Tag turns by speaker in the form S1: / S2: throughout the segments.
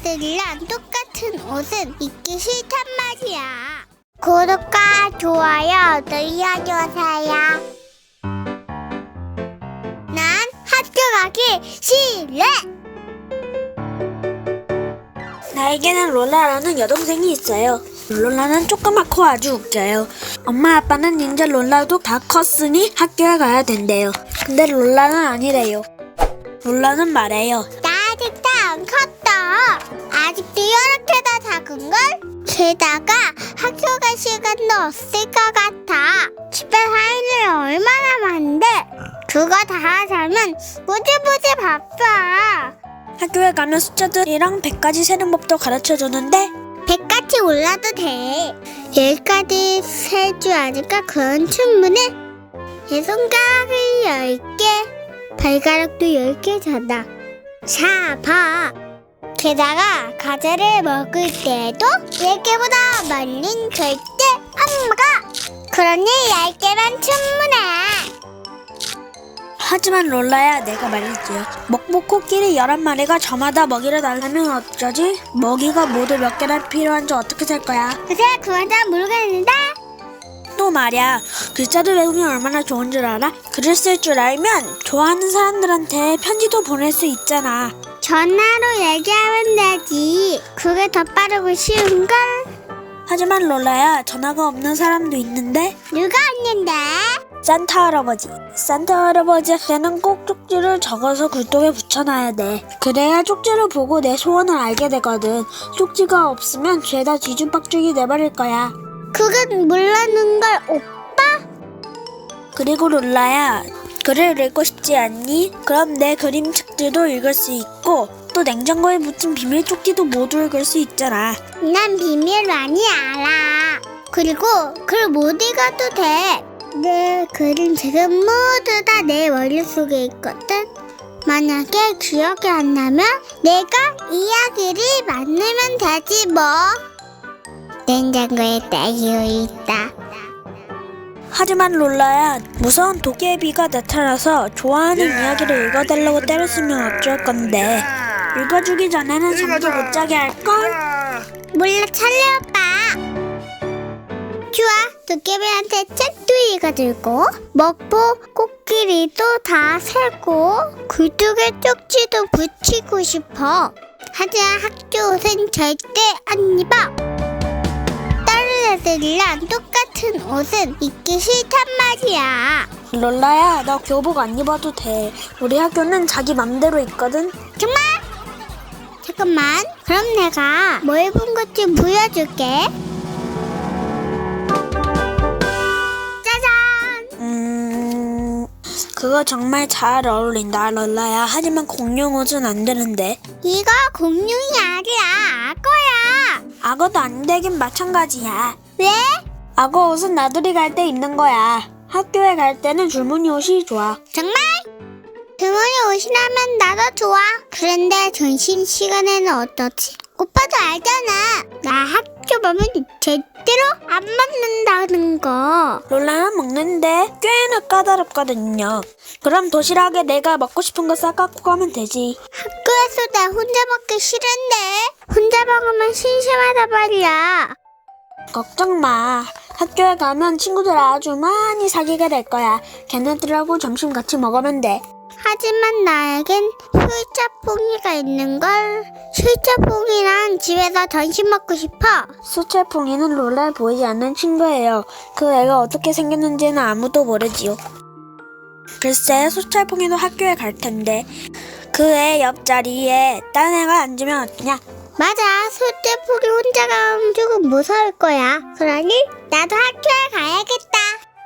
S1: 애들이랑 똑같은 옷은 입기 싫단 말이야. 구독과 좋아요 눌러주세요. 난 학교 가기 싫어.
S2: 나에게는 롤라라는 여동생이 있어요. 롤라는 조그맣고 아주 웃겨요. 엄마 아빠는 이제 롤라도 다 컸으니 학교에 가야 된대요. 근데 롤라는 아니래요. 롤라는 말해요.
S1: 나 아직도 안 컸다. 아직도 이렇게 다 작은걸? 게다가 학교 갈 시간도 없을 것 같아. 집에 할 일이 얼마나 많은데 그거 다 하자면 무지무지 바빠.
S2: 학교에 가면 숫자들이랑 100까지 세는 법도 가르쳐주는데
S1: 100까지 올라도 돼. 10까지 셀 줄 아니까 그건 충분해. 내 손가락이 10개, 발가락도 10개잖아. 자, 봐. 게다가 과자를 먹을 때도 10개보다 멀린 절대 안 먹어. 그러니 10개만 충분해.
S2: 하지만 롤라야, 내가 말이지요. 먹보 코끼리 11마리가 저마다 먹이를 달라면 어쩌지? 먹이가 모두 몇 개나 필요한지 어떻게 셀 거야?
S1: 글쎄, 그건 잘 모르겠는데.
S2: 또 말이야, 글자를 외우면 얼마나 좋은 줄 알아? 글을 쓸 줄 알면 좋아하는 사람들한테 편지도 보낼 수 있잖아.
S1: 전화로 얘기하면 되지. 그게 더 빠르고 쉬운걸?
S2: 하지만 롤라야, 전화가 없는 사람도 있는데
S1: 누가 있는데?
S2: 산타 할아버지. 산타 할아버지한테는 꼭 쪽지를 적어서 굴뚝에 붙여놔야 돼. 그래야 쪽지를 보고 내 소원을 알게 되거든. 쪽지가 없으면 죄다 뒤죽박죽이 돼버릴 거야.
S1: 그건 모르는 걸 오빠?
S2: 그리고 롤라야, 글을 읽고 싶지 않니? 그럼 내 그림책들도 읽을 수 있고 또 냉장고에 묻힌 비밀 쪽지도 모두 읽을 수 있잖아.
S1: 난 비밀 많이 알아. 그리고 글 못 읽어도 돼. 내 그림책은 모두 다 내 머릿속에 있거든. 만약에 기억이 안 나면 내가 이야기를 만들면 되지 뭐. 냉장고에 딸기우 있다.
S2: 하지만 롤라야, 무서운 도깨비가 나타나서 좋아하는 이야기를 읽어달라고 때렸으면 어쩔 건데 읽어주기 전에는 잠도 못 자게 할걸?
S1: 몰라, 찰리 오빠. 좋아, 도깨비한테 책도 읽어주고 먹보 코끼리도 다 세고 굴뚝에 쪽지도 붙이고 싶어. 하지만 학교 옷은 절대 안 입어. 다른 애들이랑 똑같은 옷은 입기 싫단 말이야.
S2: 롤라야, 너 교복 안 입어도 돼. 우리 학교는 자기 맘대로 있거든.
S1: 정말? 잠깐만, 그럼 내가 뭐 입은 건지 보여줄게.
S2: 그거 정말 잘 어울린다, 롤라야. 하지만 공룡 옷은 안 되는데.
S1: 이거 공룡이 아니라 악어야.
S2: 악어도 안 되긴 마찬가지야.
S1: 왜?
S2: 악어 옷은 나들이 갈 때 입는 거야. 학교에 갈 때는 줄무늬 옷이 좋아.
S1: 정말? 등원이 옷이라면 나도 좋아. 그런데 점심시간에는 어떠지? 오빠도 알잖아. 나 학교 가면 제대로 안 먹는다는 거.
S2: 롤라는 먹는데 꽤나 까다롭거든요. 그럼 도시락에 내가 먹고 싶은 거 싸갖고 가면 되지.
S1: 학교에서 나 혼자 먹기 싫은데. 혼자 먹으면 심심하단 말이야.
S2: 걱정 마. 학교에 가면 친구들 아주 많이 사귀게 될 거야. 걔네들하고 점심 같이 먹으면 돼.
S1: 하지만 나에겐 술자뽕이가 있는걸. 술자뽕이랑 집에서 점심 먹고 싶어.
S2: 수채풍이는 롤라에 보이지 않는 친구예요. 그 애가 어떻게 생겼는지는 아무도 모르지요. 글쎄, 수철풍이도 학교에 갈 텐데 그 애 옆자리에 딴 애가 앉으면 어떠냐?
S1: 맞아, 술자뽕이 혼자 가면 조금 무서울 거야. 그러니 나도 학교에 가야겠다.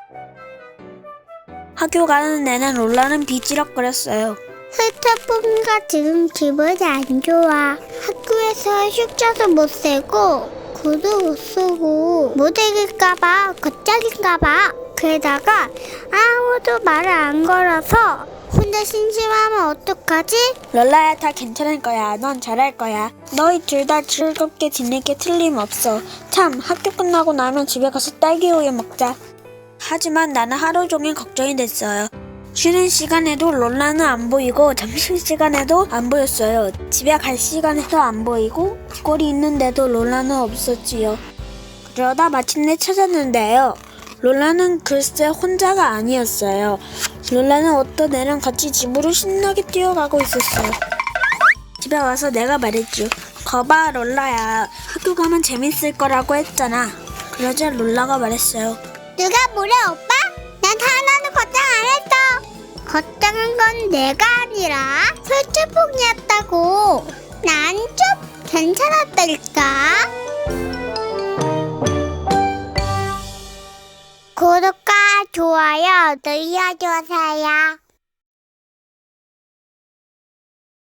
S2: 학교 가는 애는 롤라는 비지럭거렸어요.
S1: 술자뽕이가 지금 기분이 안 좋아. 학교에서 숫자도 못 세고 글도 못 쓰고 못 읽을까봐 걱정인가봐. 게다가 아무도 말을 안 걸어서 혼자 심심하면 어떡하지?
S2: 롤라야, 다 괜찮을 거야. 넌 잘할 거야. 너희 둘 다 즐겁게 지낼 게 틀림없어. 참, 학교 끝나고 나면 집에 가서 딸기 우유 먹자. 하지만 나는 하루 종일 걱정이 됐어요. 쉬는 시간에도 롤라는 안 보이고 점심시간에도 안 보였어요. 집에 갈 시간에도 안 보이고 꼴이 있는데도 롤라는 없었지요. 그러다 마침내 찾았는데요. 롤라는 글쎄 혼자가 아니었어요. 롤라는 어떤 애랑 같이 집으로 신나게 뛰어가고 있었어요. 집에 와서 내가 말했죠. 거봐 롤라야, 학교 가면 재밌을 거라고 했잖아. 그러자 롤라가 말했어요.
S1: 누가 뭐래 오빠? 난 하나도 걱정 안 했어. 걱정한 건 내가 아니라 설주풍이었다고. 난 좀 괜찮았달까? 구독과 좋아요 눌러주세요.